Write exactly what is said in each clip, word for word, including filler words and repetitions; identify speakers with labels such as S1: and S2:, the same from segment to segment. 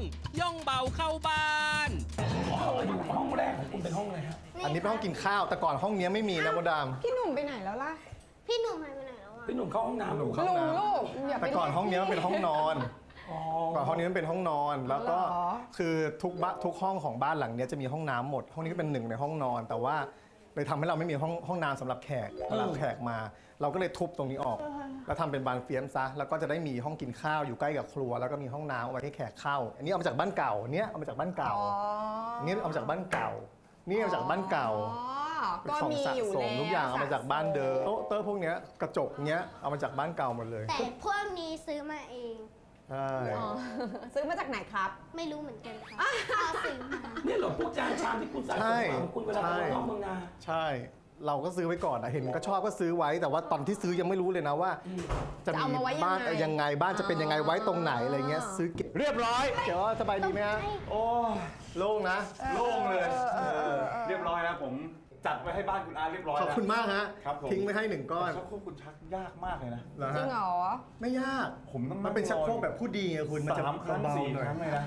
S1: ย่องเบาเข้าบ้าน
S2: อยู่ห้องแรกของคุณเป็นห้องอะไรฮะ
S3: อันนี้เป็นห้องกินข้าวแต่ก่อนห้องนี้ไม่มีนะมดดาม
S4: พี่หนุ่มไปไหนแล้วล่ะ
S5: พี่หนุ่มหายไปไหนแล้วอ่ะ
S2: พี่หนุ่มเข้าห้องน้ำหนู
S3: เข้า
S4: ลุง
S3: น้ำ
S4: ลูกอย่าไป
S3: แต่ก่อนห้องนี้มันเป็นห้องนอน
S2: อ๋อ
S3: ก่อนห้องนี้มันเป็นห้องนอน แล้วก็
S4: เหรอ
S3: คือทุกบ้านทุกห้องของบ้านหลังเนี้ยจะมีห้องน้ำหมด ห้องนี้ก็เป็นหนึ่งในห้องนอน แต่ว่าเลยทำให้เราไม่มีห้องห้องน้ำสำหรับแขกเวลาแขกมา เราก็เลยทุบตรงนี้ออก แล้วทำเป็นบานเฟียมซะแล้วก็จะได้มีห้องกินข้าวอยู่ใกล้กับครัว แล้วก็มีห้องน้ำเอาไว้ให้แขกเข้า อันนี้เอามาจากบ้านเก่าอันเนี้ยเอามาจากบ้านเก่า
S4: อ๋อ
S3: อันนี้เอามาจากบ้านเก่า นี่เอามาจากบ้านเก่า
S4: อ๋อ
S3: เป็น
S4: ก็
S3: ของ
S4: มี
S3: สะ
S4: อยู่
S3: สม
S4: แล้ว
S3: ทุกอย่างเอามาจากบ้านเดิมโต๊ะเตอร์พวกเนี้ยกระจกเนี้ยเอามาจากบ้านเก่าหมดเลย
S5: แต่พวกนี้ซื้อมาเอง
S3: ใช่
S4: อ๋อซื้อมาจากไหนครับ
S5: ไม่รู้เหมือนกันค่ะพ่อซื้อมา
S2: นี่เหรอพวกจานชามที่คุณสะสมของคุณเวลาไปนอกเมืองนา
S3: ใช่ เราก็ซื้อไว้ก่อนนะเห็นก็ชอบก็ซื้อไว้ แต่ว่าตอนที่ซื้อยังไม่รู้เลยนะว่า จะ
S4: จะเอา
S3: มี
S4: มาไว้ยังไง
S3: บ้านยังไงบ้านจะเป็นยังไงไว้ตรงไหนอะไรเงี้ยซื้อเก็บเรียบร้อยเดี๋ยวสบายดีไหมฮะโอ้โล่งนะโล่งเลยเออ
S6: เรียบร้อยนะผมจัดไว้ให้บ้านคุณอาเรียบร้อย
S3: ขอบคุณมากฮะ
S6: ครับผม
S3: ทิ้งไว้ให้หนึ่งก้อน
S6: ชักโครกคุณชักยากมากเลยนะ
S3: เหรอ
S4: จริ
S3: ฮะ
S4: งเหรอ
S3: ไม่ยาก
S6: ผมต้อง
S3: มันเป็นชักโครกแบบผู้ดีไงคุณมันจะ
S6: สามครั้ง
S3: เบา
S6: สี่
S3: ๆหน่อย
S6: ครั้งเลยนะ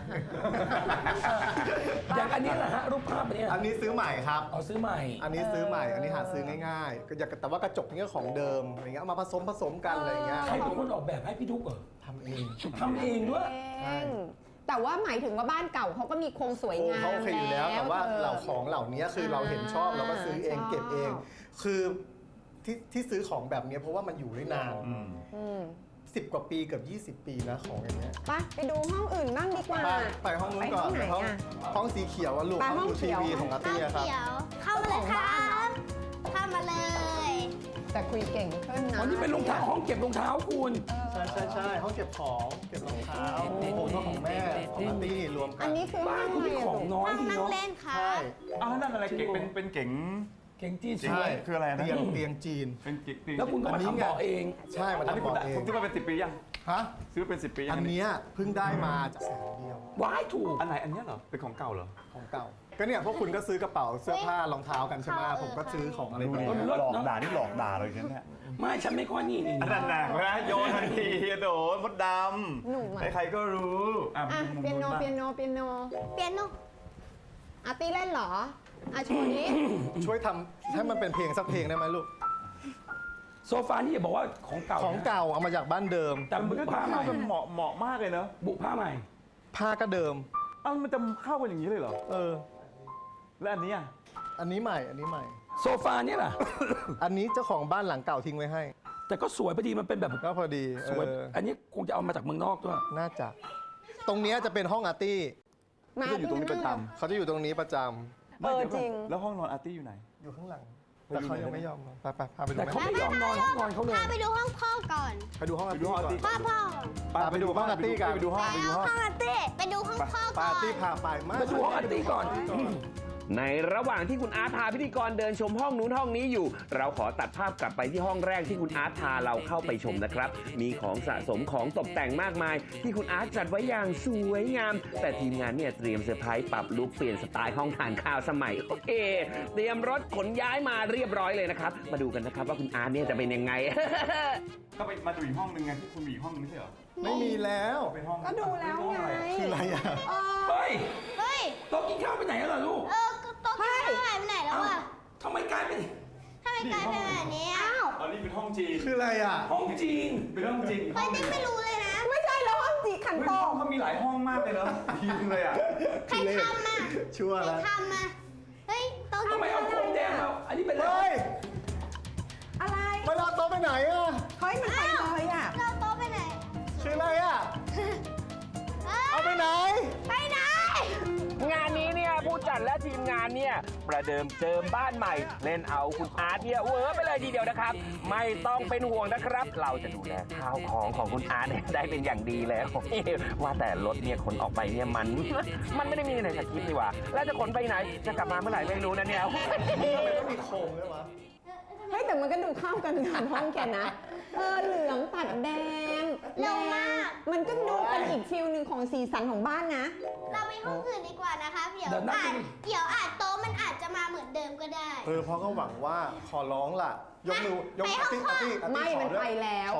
S2: อย่างอันนี้แหละฮะรูปภาพอันนี้
S3: อันนี้ซื้อใหม่ครับ
S2: เอาซื้อใหม่
S3: อันนี้ซื้อใหม่ อันนี้หาซื้อง่ายๆก็อยากแต่ว่ากระจกนี่ก็ของเดิมอะไรเงี้ยเอามาผสมผสมกันอะไรเงี้ย
S2: ใครเป็นคนออกแบบให้พี่ทุกเหรอ
S3: ทำเอง
S2: ทำเองด้วย
S4: เองแต่ว่าหมายถึงว่าบ้านเก่าเขาก็มีโครงสวย
S3: โอ้
S4: งาม
S3: เขาโอเคอยู่แล้วแต่ว่า
S4: ธอ
S3: เหล่าของเหล่านี้คือเราเห็นชอบเราก็ซื้อเอง
S4: ชอบ
S3: เก็บเอง คือที่ที่ซื้อของแบบนี้เพราะว่ามันอยู่ได้นาน
S6: อืม
S4: อืม
S3: สิบกว่าปีเกือบยี่สิบปีนะของอย่างเงี้ย
S4: ไปไปดูห้องอื่นบ้างดีกว่า
S3: ไปไปห้องนู้นก่อน
S4: ไป
S3: ไป
S4: ห้
S3: ห้
S4: อ
S3: อง ง
S4: ไหนอะ
S3: ห้องสีเขียวอะลูก
S4: ไป
S3: ห้อง
S4: ห้อง
S3: ดูที
S4: เขียว
S3: วีของอาร์ตี้
S5: ข้าว
S3: อะครับ
S5: เขียวเข้ามาเลยครับเข้ามาเลย
S4: แต่คุยเก่งขึ้นนะ
S2: อ๋อนี่เป็นรองเท้าห้องเก็บรองเท้าคุณ
S3: ใช่ใช่ใช่ห้องเก็บของเก็บรองเท้าผมก็ของแม่ของอาร์ตี้รวมกั
S4: อั
S3: น
S4: นนี้คือห้
S2: บ้า
S4: อน ง
S2: คุณ
S4: อะไร
S2: มี
S4: อะ
S2: ของ
S4: ลูก
S2: น้อย
S5: ห้อง
S2: ดี
S5: นั่ง
S2: เนาะ
S5: เล่นครั
S3: ใช่
S5: บ
S6: อ้าวนั่นอะไรเก๋งเป็นเป็นเก๋ง
S2: เก่งจีน
S6: จริง
S3: ใช่
S6: คืออะไรนะ
S3: เตียงเตียงจีน
S6: เป็นเก๋งเก๋ง
S2: แล้วคุณก็มาทำเบาะเอง
S3: ใช่มัน
S6: อันนี้
S3: ทำ
S6: คุณ
S3: บอกเอง
S6: ผมซื้อมาเป็นสิบปียัง
S3: ฮะ
S6: ซื้อเป็นสิบปียัง
S3: อันเนี้ยเพิ่งได้มาจากแสนเดียว
S2: ว้ายถูก
S6: อันไหนอันเนี้ยเหรอเป็นของเก่าเหรอ
S3: ของเก่า ก็เนี่ยพวกคุณก็ซื้อกระเป๋าเสื้อผ้ารองเท้ากันใช่ไหม
S5: เออ
S3: ผมก็ซื้อของอะไรแบบ
S2: เออ
S3: นี้
S2: เลิศ
S6: หลอก
S2: เนอะ
S6: ด่านี่หลอกด่าเลยอย่างเนี้ย
S2: ไม่ฉันไม่ค่อยนี่นี่
S6: อันนั้นหนักนะโยนทันทีโดนมดด
S4: หนุ่ม
S6: ำ
S4: อะ
S6: ใครๆก็รู้อ่ะ
S4: อ่ะ
S6: มุม
S4: เปียโน
S6: บ้าง
S4: เปียโนเปียโน
S5: เปียโน
S4: อาร์ตี้เล่นเหรออ่ะโชว์นี้
S3: ช่วยทำให้มันเป็นเพลงสักเพลงได้ไหมลูก
S2: โซฟานี่อย่าบอกว่าของเก่า
S3: ของเก่าเอามาจากบ้านเดิม
S2: แต่บุ
S6: มันก็
S2: ผ้าใหม่
S6: เข้ากันเหมาะเหมาะมากเลยเนอะ
S2: บุผ้าใหม่
S3: ผ้าก็เดิม
S6: เอ้ามันจะเข้ากันอย่างนี้เลยเหรอ
S3: เออ
S6: แล้วอันนี้อ่ะ
S3: อันนี้ใหม่ อันนี้ใหม่
S2: โซฟาเนี่ยล่ะ
S3: อันนี้เจ้าของบ้านหลังเก่าทิ้งไว้ให้
S2: แต่ก็สวยพอดีมันเป็นแบบ
S3: ก็พอดี
S2: สวย
S3: เออ
S2: อันนี้คงจะเอามาจากเมืองนอกด้วย
S3: น่าจะ ตรงเนี้ยจะเป็นห้องอาร์ตี้
S4: มา
S6: ก็อยู่ตรงนี้ประจ
S3: เขาจะอยู่ตรงนี้ประจำ
S6: ำไม่
S4: เออ
S6: เดี๋ยวก่อน
S4: จริง
S6: แล้วห้องนอนอาร์ตี้อยู่ไหน
S3: อยู่ข้างหลัง
S6: ไป
S3: แต่
S6: ดู
S3: เขา
S6: หน่อย
S3: ยังไม่
S6: ได้ไหม
S3: ยอมนอนไปไปพาไปดู
S2: แต่
S3: ไหม
S2: เขาไม่ยอมนอนห้องนอนเขาเลย
S5: พาไปดูห้องพ่อก่อน
S3: ไปดูห้องอาร์
S6: ไปดู
S3: ตี้
S6: ห้องอาร์
S3: ก่อน
S6: ตี้
S5: พ่อพ่อ
S3: ปาไปดูห้องอาร์ตี้กัน
S6: ไปดูห้อง
S5: ไป
S6: ไปดู
S5: เอา
S6: ห้อง
S5: ห้องอาร์ตี้ไปดูห้องพ่อ
S3: ปา
S5: ก่อ
S3: ร์ตี้
S5: น
S3: พาไปมา
S2: ไปดูห้องอาร์ตี้ก่อน
S1: ในระหว่างที่คุณอาร์ตพาพิธีกรเดินชมห้องนู้นห้องนี้อยู่ เราขอตัดภาพกลับไปที่ห้องแรกที่คุณอาร์ตพาเราเข้าไปชมนะครับ มีของสะสมของตกแต่งมากมาย ที่คุณอาร์ตจัดไว้อย่างสวยงาม แต่ทีมงานเนี่ยเตรียมเซอร์ไพรส์ปรับลุคเปลี่ยนสไตล์ห้องทานข้าวสมัยโอเค เตรียมรถขนย้ายมาเรียบร้อยเลยนะครับ มาดูกันนะครับว่าคุณอาร์ตเนี่ยจะเป็นยังไง
S6: ก็ไปมาดูอีกห้องนึงไงที่คุณมีอีกห้องนึงไม่ใช่เหรอ
S3: ไม่มีแล้ว
S6: เป็นห้อง
S4: ก็ดูแล้วไง
S3: คืออะไรอ่ะ
S4: เออ
S2: เฮ้ย
S5: เฮ้ย
S2: โต๊ะกินข้าวไปไหนแล้วล่ะลูก
S5: เออโต๊ะกินข้าวหายไปไหนแล้ว
S2: เอ้า
S5: อ่ะ
S2: ทำไมกลายเป็น
S5: ทำไมกลายเป็นแบบนี้อ่ะ
S6: อันนี้เป็นห้องจีน
S3: คืออะไรอ่ะ
S2: ห้องจีน
S6: เป็นห้องจีน
S5: เฮ้ยติ๊กไม่รู้เลยนะ
S4: ไม่ใช่แล้วห้องจีขัน
S6: เฮ้ย
S4: โต
S6: ห้องเขามีหลายห้องมากเลยเนอะทีนึงเลยอ่ะ
S5: ใครทำอ่ะ
S3: ชั่ว
S5: ใคร
S3: แล้ว
S5: ทำอ่ะเฮ้ยโต๊ะกิ
S2: ทำ
S5: น
S2: ไมเอา
S5: ข้าว
S2: พรมแดงมาอันนี้เป็นอะไร
S3: เฮ้ย
S4: อะไร
S3: เวลาโต๊ะไปไหนอ่ะ
S4: เฮ้ยมันไปเลยอ่ะ
S5: เราโต๊ะไปไหน
S3: คืออะไรอ่ะ เอาไปไหน
S5: ไปไหน
S1: งานนี้เนี่ยผู้จัดและทีมงานเนี่ยประเดิมเจิมบ้านใหม่ เล่นเอาคุณอาร์ตเนี่ยเวอร์ไปเลยทีเดียวนะครับ ไม่ต้องเป็นห่วงนะครับ เราจะดูแลข้าวของของคุณอาร์ตเนี่ยได้เป็นอย่างดีแล้ว ว่าแต่รถเนี่ยขนออกไปเนี่ยมัน มันไม่ได้มีในสคริปต์นี่หว่าแล้วจะขนไปไหนจะกลับมาเมื่อไหร่ไม่รู้นะเนี่ย
S3: ต้องมีโครงด้วยวะ
S4: เฮ้ยแต่มันก็ดูเข้ากันกับห้องแกนะ เออเหลืองตัดแดง
S5: เร็วมาก
S4: มันก็ดูเป็นอีกฟิลหนึ่งของสีสันของบ้านนะ
S5: เราไปห้องอื่นดีกว่านะคะเดี๋ยว
S2: เดี๋ยวนั่ง
S5: อาจเดี๋ยวอาจโต๊ะมันอาจจะมาเหมือนเดิมก็ได้
S3: เออเพราะก็หวังว่าขอร้องล่ะ ยกมือยก
S5: ไป
S3: อาร์ตี้
S5: ห้อง
S3: อาร์ตี้อาร์ตี้
S4: ไม่
S3: ขอ
S4: มัน
S3: ด้วย
S4: ไปแล้ว
S3: ขอ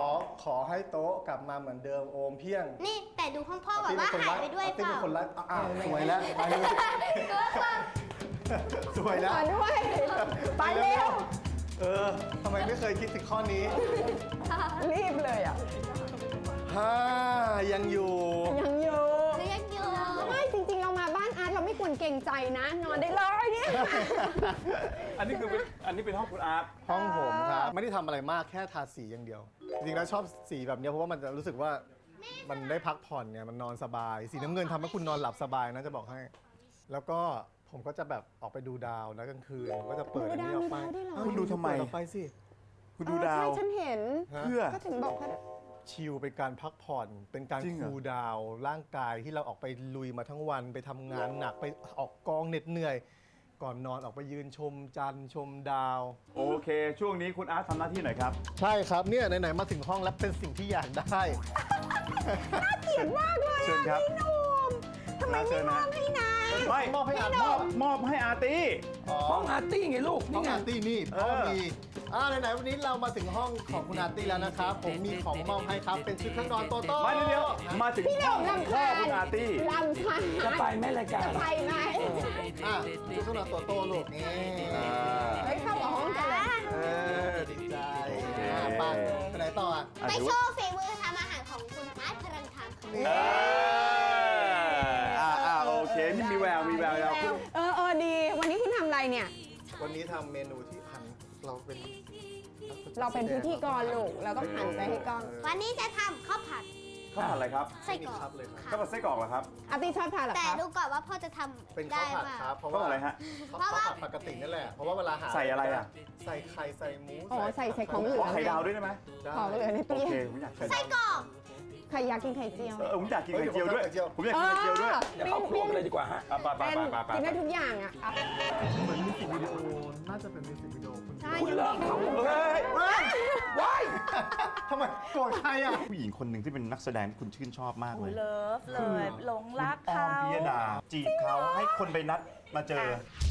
S3: ขอให้โต๊ะกลับมาเหมือนเดิมโอมเพียง
S5: นี่แต่ดูห้องพ่อแบบว่าหายไปด้วยเป
S3: ติ๊ก
S5: ล่า
S3: เป็นคนรักอ้าวสวยแล้วไปเลยสวยแล้ว
S4: ขอด้วย ไปเร็ว
S3: เออทำไมไม่เคยคิดถึงข้อนี้
S4: รีบเลยอ่ะ
S3: ฮ่ายังอยู่
S4: ยังอยู่
S5: หรือยังอยู่
S4: ไม่จริงๆ เรามาบ้านอาร์ตเราไม่ควรเกรงใจนะ นอนได้เลยเนี่ย
S6: อันนี้คือเป็นอันนี้เป็นห้องคุณอาร์ต
S3: ห้องผมครับไม่ได้ทำอะไรมากแค่ทาสีอย่างเดียว จริงๆแล้วชอบสีแบบเนี้ยเพราะว่ามันจะรู้สึกว่ามันได้พักผ่อนเนี่ยมันนอนสบาย สีน้ำเงินทำให้คุณนอนหลับสบายนะจะบอกให้ แล้วก็ผมก็จะแบบออกไปดูดาวนะกลางคืนผมก็จะเปิดอันนี้ออกไป
S4: ดูดาวมีดาวด้วยเหรอ
S3: เอ้า
S6: คุณดูทำไม
S3: เปิออกไปสิ
S6: คุณดูดาว
S4: เออใช่ฉันเห็น
S3: ฮะ
S6: เพื่อ
S4: ก็ถึงบอกว่า
S3: ชิลเป็นการพักผ่อน เป็นการ
S6: จริงเหรอ
S3: คูลดาวน์ร่างกายที่เราออกไปลุยมาทั้งวันไปทำงานหนักไปออกกองเหน็ดเหนื่อย ก่อนนอนออกไปยืนชมจันทร์ชมดาว
S6: โอเค ช่วงนี้คุณอาร์ตทำหน้าที่หน่อยครับ
S3: ใช่ครับเนี่ยไหนๆมาถึงห้องแล้วเป็นสิ่งที่อยากได้
S4: เกลียดมากเลย
S6: เชิญครับ
S4: พี่หนุ่มทำไมไม่มอบให้นาย
S6: ไม่
S3: มอบให้อาร์ต
S6: มอบมอบให้อาร์ตี้
S2: ห้องอาร์ตี้ไงลูก
S3: ห้อ
S2: นี่
S3: ง
S2: ไง
S3: อาร์ตี้นี่
S6: เอ
S3: พ่อ
S6: อ
S3: มีอ่าไหนๆวันนี้เรามาถึงห้องของคุณอาร์ตี้แล้วนะครับ ผมมีของมอบให้ครับ เป็นชุดเครื่องนอนโตโต้
S6: มาเดี๋ยวๆมาถึง
S4: พี่ห
S6: ห้
S4: นุ่
S6: อง
S4: ม
S6: พ่อ
S4: ลำคาญ
S6: คุณอาร์ตี้
S4: ลำคาญ
S2: จะไปไหมรายการ
S4: ไปไหม
S3: อ่ะชุดเครื่องนอนโตโต้ลูกนี่
S4: เฮ้ยเข้ากับห้องกันเลย
S3: เออดีใจอ่ะไปไปไหนต่ออ่ะ
S6: อ่ะ
S5: ไป
S6: ถือ
S5: โช
S6: ว่า
S5: ว์ฝีมือทำอาหารของคุณอาร์ตพลังธรรมค่ะ
S3: นี่
S6: เอออ่าอ่าโอเคนี่มีแววมีแววแล้ว
S4: เออเออดี วันนี้คุณทำอะไรเนี่ย
S3: วันนี้ทำเมนูที่พันเราเป็น
S4: เราเป็นพิธีกรลูกแล้วก็หันไปให้กล้อง
S5: วันนี้จะทำข้าวผัด
S6: ข้าวผัดอะไรครับ
S5: ไส้กรอก
S3: ครับเลยครับ
S6: ข้าวผัดไส้กรอกเหรอครับ
S4: อาร์ตี้ชอบทานเหรอ
S5: แต่
S4: ครับ
S5: ดูก่อนว่าพ่อจะท
S3: เป็น
S5: ำ
S3: ข้า
S5: ได้
S3: วผัด
S5: มา
S3: ครับเพราะ
S6: ข้าว
S3: ว่า
S6: ผัดอะไรฮะ
S3: ข้าวผัดปกตินั่นแหละ เพราะว่าเวลาหา
S6: ใส่อะไรอ่ะ
S3: ใส่ไข่ใส่หมู
S4: อ๋อใส่ใส่ของเหลื
S6: ขอไข่ดาวด้วยได้ไหม
S3: ได้
S4: ของเหลือใน
S6: โอ
S4: ตู้
S6: เค
S4: เย็น
S6: ผมอยาก
S5: ไส้กรอก
S4: ใครอยากกินไข่เจียว
S6: เออผมอยากกินไข่เจียวด้วย ผมอยากกินไข่เจียวด้วย
S2: เดี๋ยวเข้าครัวกันเลยดีกว่าฮะ
S6: อ่ะไปไป
S4: เป็น
S6: ไปไป
S4: กิน
S6: ไป
S4: ได้ทุกอย่างอ่ะอ่ะ
S3: เหมือนมิวสิกวิดีโอ น่าจะเป็นมิวสิกวิดีโอคุณ
S4: ใช่
S2: คุณ
S4: ยัง
S2: เลิก
S4: มี
S2: เขา
S6: เฮ้ย
S2: ว้าย
S3: ทำไมโกรธใครอ่ะ
S6: ผู้หญิงคนหนึ่งที่เป็นนักแสดงที่คุณชื่นชอบมากเลย
S7: เลิฟเลย หลงรัก
S6: ออ
S7: เขา
S6: มพิยดาจีบเขาให้คนไปนัดมาเจอ
S7: อ่ะ